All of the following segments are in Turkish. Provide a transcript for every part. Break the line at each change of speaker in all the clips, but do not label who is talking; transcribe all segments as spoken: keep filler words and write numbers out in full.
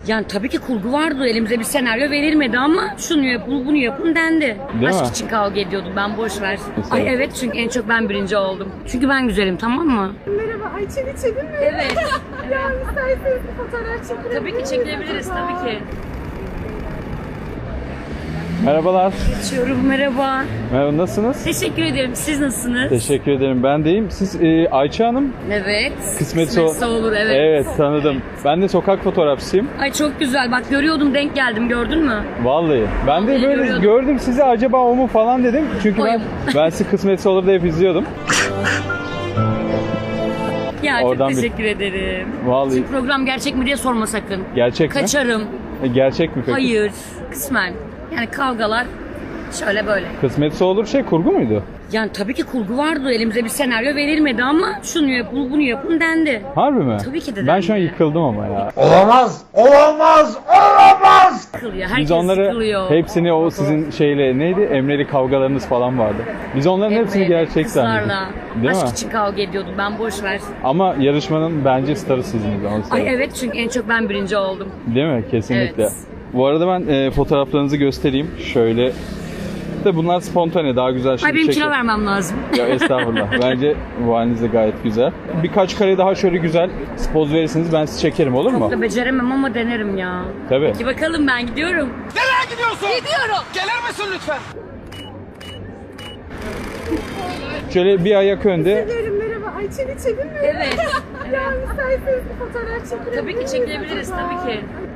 Yani tabii ki kurgu vardı. Elimize bir senaryo verilmedi ama şunu yapın, bunu yapın dendi.
Değil
Aşk
mi?
için kavga ediyordum ben, boş ver.
Mesela.
Ay evet, çünkü en çok ben birinci oldum. Çünkü ben güzelim, tamam mı?
Merhaba, Ayça'yı çekin mi?
Evet.
Ya müsaitseniz bir fotoğraf çekilebilir
Tabii ki çekilebiliriz, tabii ki.
Merhabalar.
Geçiyorum, merhaba.
Merhaba, nasılsınız?
Teşekkür ederim. Siz nasılsınız?
Teşekkür ederim. Ben deyim. Siz e, Ayça Hanım.
Evet.
Kısmetse o-
Kısmetse olur, evet.
Evet, tanıdım. Ben de sokak fotoğrafçısıyım.
Ay çok güzel. Bak görüyordum, denk geldim, gördün mü?
Vallahi. Ben de
Vallahi
böyle
görüyordum.
gördüm sizi, acaba o mu falan dedim. Çünkü ben
Oyum.
ben sizi Kısmetse olur da hep izliyordum.
Ya
Oradan
çok
bir-
teşekkür ederim.
Vallahi.
Şimdi program gerçek mi diye sorma sakın.
Gerçek mi?
Kaçarım.
E, Gerçek mi peki?
Hayır. Kısmen. Yani kavgalar şöyle böyle.
Kısmetse olur şey kurgu muydu?
Yani tabii ki kurgu vardı. Elimize bir senaryo verilmedi ama şunu yapın, bunu yapın dendi.
Harbi mi?
Tabii ki de
Ben şu an
dendi.
yıkıldım ama ya.
Olamaz, olamaz, olamaz.
Sıkılıyor. Herkes
Biz onları
sıkılıyor.
hepsini o sizin şeyle neydi? Emreli kavgalarınız falan vardı. Biz onların hepsini
Emre'yle,
gerçek zannediyorduk.
kızlarla.
Değil
Aşk
mi?
için kavga ediyordum ben, boş ver.
Ama yarışmanın bence starı sizsiniz. onu
Ay
söyleyeyim.
evet, çünkü en çok ben birinci oldum.
Değil mi? Kesinlikle.
Evet.
Bu arada ben e, fotoğraflarınızı göstereyim. Şöyle. De bunlar spontane, daha güzel şimdi
Ay benim
çekin.
kilo vermem lazım.
Ya estağfurullah. Bence bu haliniz de gayet güzel. Birkaç kare daha şöyle güzel poz verirseniz ben sizi çekerim, olur mu?
Çok da beceremem ama denerim ya.
Tabii.
Peki bakalım, ben gidiyorum.
Nereye gidiyorsun? Gidiyorum. Gelir misin lütfen?
Şöyle bir ayak önde.
Diyorum merhaba, Ayça'yı çekin mi?
Evet.
Ya müsaitseniz bir fotoğraf çekilebilir
Tabii ki çekilebiliriz, tabii ki.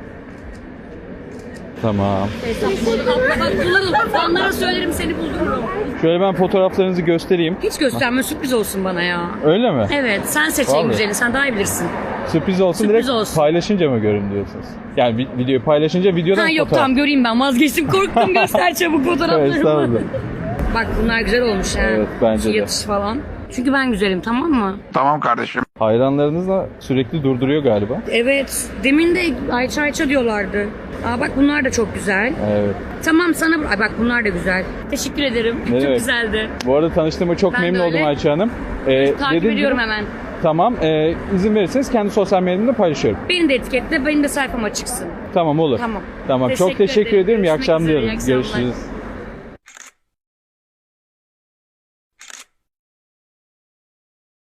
Tamam.
Bak bunları fanlara söylerim, seni buldururum.
Şöyle ben fotoğraflarınızı göstereyim.
Hiç gösterme, sürpriz olsun bana ya.
Öyle mi?
Evet, sen seç en
Vallahi.
güzelini, sen daha iyi bilirsin.
Sürpriz olsun,
Sürpriz
direkt
olsun.
paylaşınca mı görün diyorsunuz? Yani vi- videoyu paylaşınca videodan
Ha yok
fotoğraf.
tamam, göreyim ben, vazgeçtim, korktum, göster çabuk
Evet,
fotoğraflarımı.
estağfurullah.
Bak bunlar güzel olmuş ha.
Evet, bence
Şu
de.
yatış falan. Çünkü ben güzelim, tamam mı?
Tamam kardeşim.
Hayranlarınız da sürekli durduruyor galiba.
Evet, demin de Ayça Ayça diyorlardı. Aa bak bunlar da çok güzel.
Evet.
Tamam sana... Ay bak bunlar da güzel. Teşekkür ederim.
Ne
Çok
demek?
güzeldi.
Bu arada tanıştığıma çok
Ben de
memnun oldum
öyle.
Ayça Hanım. Ee,
Takip
dediğim
ediyorum
gibi-
hemen.
Tamam. Ee, izin verirseniz kendi sosyal medyamda paylaşıyorum.
Beni de etiketle, benim de sayfama çıksın.
Tamam, olur.
Tamam.
Tamam. Çok
Teşekkür
teşekkür
ederim.
ederim. İyi
Görüşmek
akşamlar
üzere,
diyorum.
iyi akşamlar.
Görüşürüz.